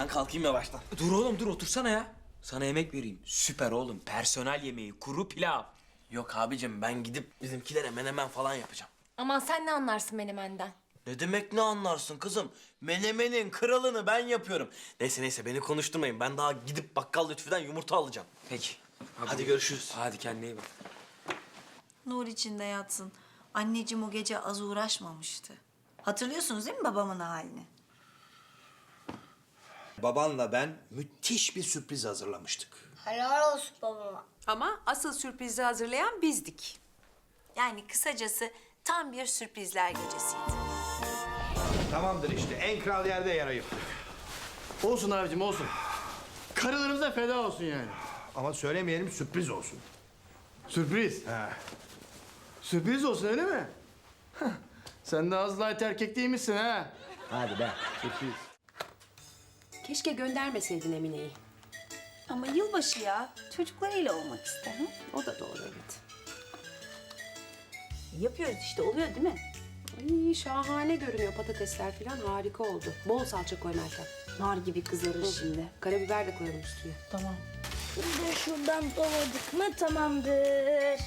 kalkayım yavaştan. Dur oğlum dur otursana ya. Sana yemek vereyim. Süper oğlum. Personel yemeği. Kuru pilav. Yok abicim, ben gidip bizimkilere menemen falan yapacağım. Aman sen ne anlarsın menemenden? Ne demek ne anlarsın kızım? Menemenin kralını ben yapıyorum. Neyse beni konuşturmayın. Ben daha gidip bakkal Lütfü'den yumurta alacağım. Peki. Hadi görüşürüz. Hadi kendine iyi bak. Nur içinde yatsın. Anneciğim o gece az uğraşmamıştı. Hatırlıyorsunuz değil mi babamın halini? Babanla ben müthiş bir sürpriz hazırlamıştık. Helal olsun babama. Ama asıl sürprizi hazırlayan bizdik. Yani kısacası tam bir sürprizler gecesiydi. Tamamdır işte, en kral yerde yer ayırttık. Olsun abicim olsun. Karılarımıza feda olsun yani. Ama söylemeyelim, sürpriz olsun. Sürpriz. Ha. Sürpriz olsun öyle mi? Sen de az light erkek değil misin ha? Hadi be. Sürpriz. Keşke göndermeseydin Emine'yi. Ama yılbaşı ya. Çocuklarıyla olmak ister. O da doğru evet. Yapıyoruz işte, oluyor değil mi? Ay şahane görünüyor patatesler falan harika oldu. Bol salça koy Meltem. Nar gibi kızarır şimdi. Karabiber de koyalım üstüne. Tamam. Şimdi şuradan doladık mı tamamdır.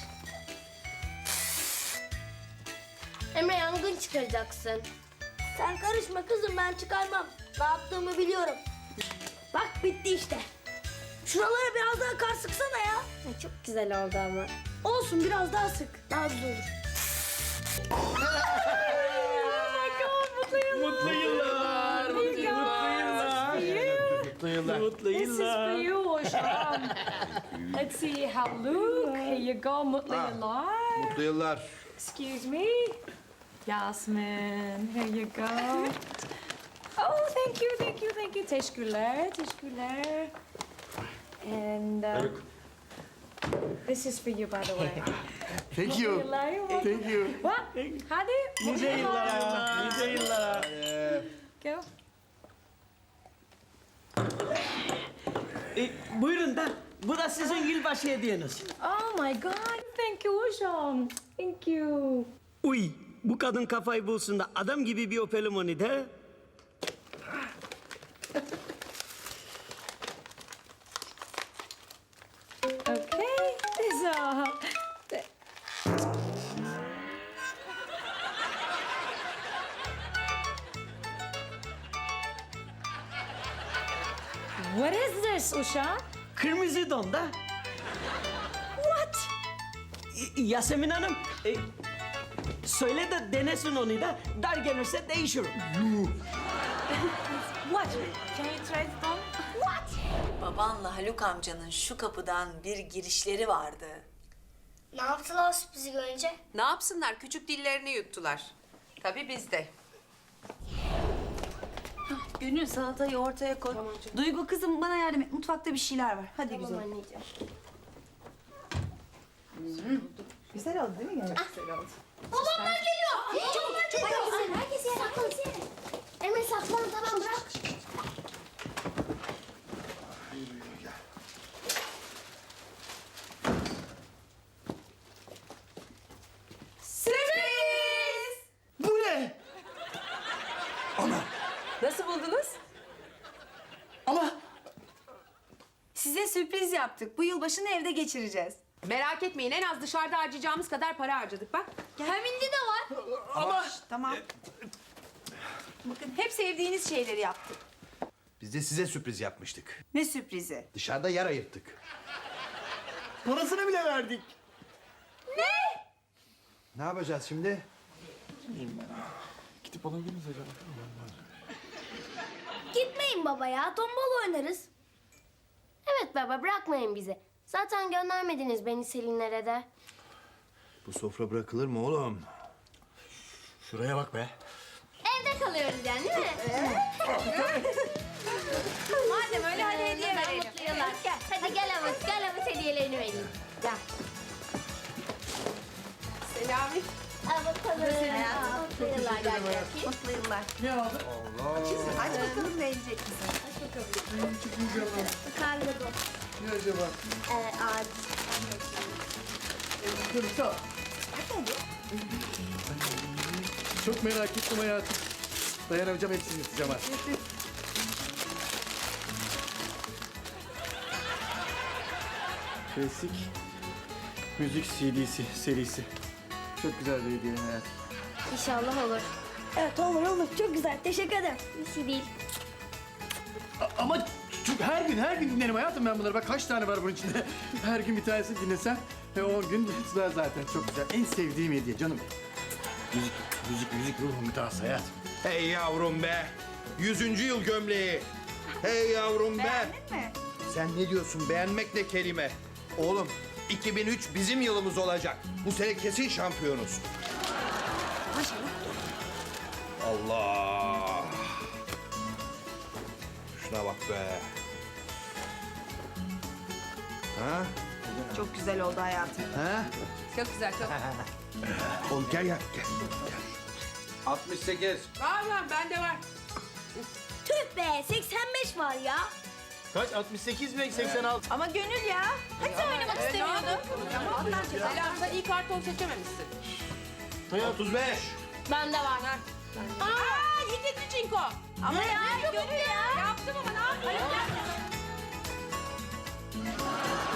Emre, yangın çıkaracaksın. Sen karışma kızım, ben çıkarmam. Ne yaptığımı biliyorum. Bak bitti işte. Şuralara biraz daha kar sıksana ya. Ay, çok güzel oldu ama. Olsun, biraz daha sık. Daha güzel olur. Mutlu yıllar. Mutlu yıllar. Mutlu yıllar. Mutlu yıllar. Let's see how look. Here you go. Mutlu yıllar. Mutlu yıllar. Excuse me. Yasmin, here you go. Oh, thank you, thank you, thank you. Teşekkürler, teşekkürler. And this is for you, by the way. Thank you. Yıllar, Thank you. What? Hadi. Nice yıllara. Nice yıllara. Go. Buyurun da bu da sizin yılbaşı hediyeniz. Oh my God, thank you hocam. Thank you. Uy bu kadın kafayı bulsun da adam gibi bir öpelim onu da. Okay, so... What is this, Usha? Kırmızı don da. What? Yasemin Hanım söyle de denesin onu da dar gelirse değişir. What? Can you try it on? What? Babanla Haluk amcanın şu kapıdan bir girişleri vardı. Ne yaptılar sürprizi görünce? Ne yapsınlar? Küçük dillerini yuttular. Tabii biz de. Gönül salatayı ortaya koy. Duygu kızım bana yardım et. Mutfakta bir şeyler var. Hadi güzel. Anneciğim. Güzel oldu değil mi Gönül? Babamlar geliyor. Çabuk çabuk. Herkes yere saklan. Emre saklan, tamam bırak. Sürpriz! Bu ne? Nasıl buldunuz? Ama Size sürpriz yaptık. Bu yılbaşını evde geçireceğiz. Merak etmeyin en az dışarıda harcayacağımız kadar para harcadık bak. Hemindi de var. ama Tamam. Bakın hep sevdiğiniz şeyleri yaptık. Biz de size sürpriz yapmıştık. Ne sürprizi? Dışarıda yer ayırttık. parasını bile verdik. Ne yapacağız şimdi? Gitmeyin baba ya, tombala oynarız. Evet baba, bırakmayın bizi. Zaten göndermediniz beni Selinlere de. Bu sofra bırakılır mı oğlum? Şuraya bak be. Evde kalıyoruz yani değil mi? Madem öyle hadi hediye Ben verelim. mutlu yıllar. Hadi gel Avut hediyelerini vereyim. Gel. Selami. Al bakalım. Mutlu yıllar gel bakayım. Mutlu yıllar. Allah. Aç bakalım beğenecek misin? Karnı dost. Ne acaba? Ağaç. Çok merak ettim hayatım. Dayanamayacağım hepsini isteyeceğim artık. Klasik müzik CD'si serisi. Çok güzel bir hediye hayatım. İnşallah olur. Evet olur. Çok güzel. Teşekkür ederim. Bir şey değil. Ama çok her gün dinlerim hayatım ben bunları. Bak kaç tane var bunun içinde. Her gün bir tanesini dinlesem 10 gün yetmez zaten. Çok güzel. En sevdiğim hediye canım. Müzik ruhum gıdası hayatım. Hey yavrum be. 100. yıl gömleği. Hey yavrum be. Beğendin mi? Sen ne diyorsun? Beğenmek ne kelime? Oğlum 2003 bizim yılımız olacak. Bu sene kesin şampiyonuz. Allah. Şuna bak be. Ha? Çok güzel oldu hayatım. Ha? Çok güzel, çok. Oğlum gel. 68. Var, bende var. Tüh be 85 var ya. Kaç? 68 mi? 86. Ama Gönül ya. Hadi oynamak istemiyordum. Selam, sen iyi karton seçememişsin. 35. Bende var. Aa, ikinci çinko. Ama ya Gönül ya. Yaptım ama ne yapayım?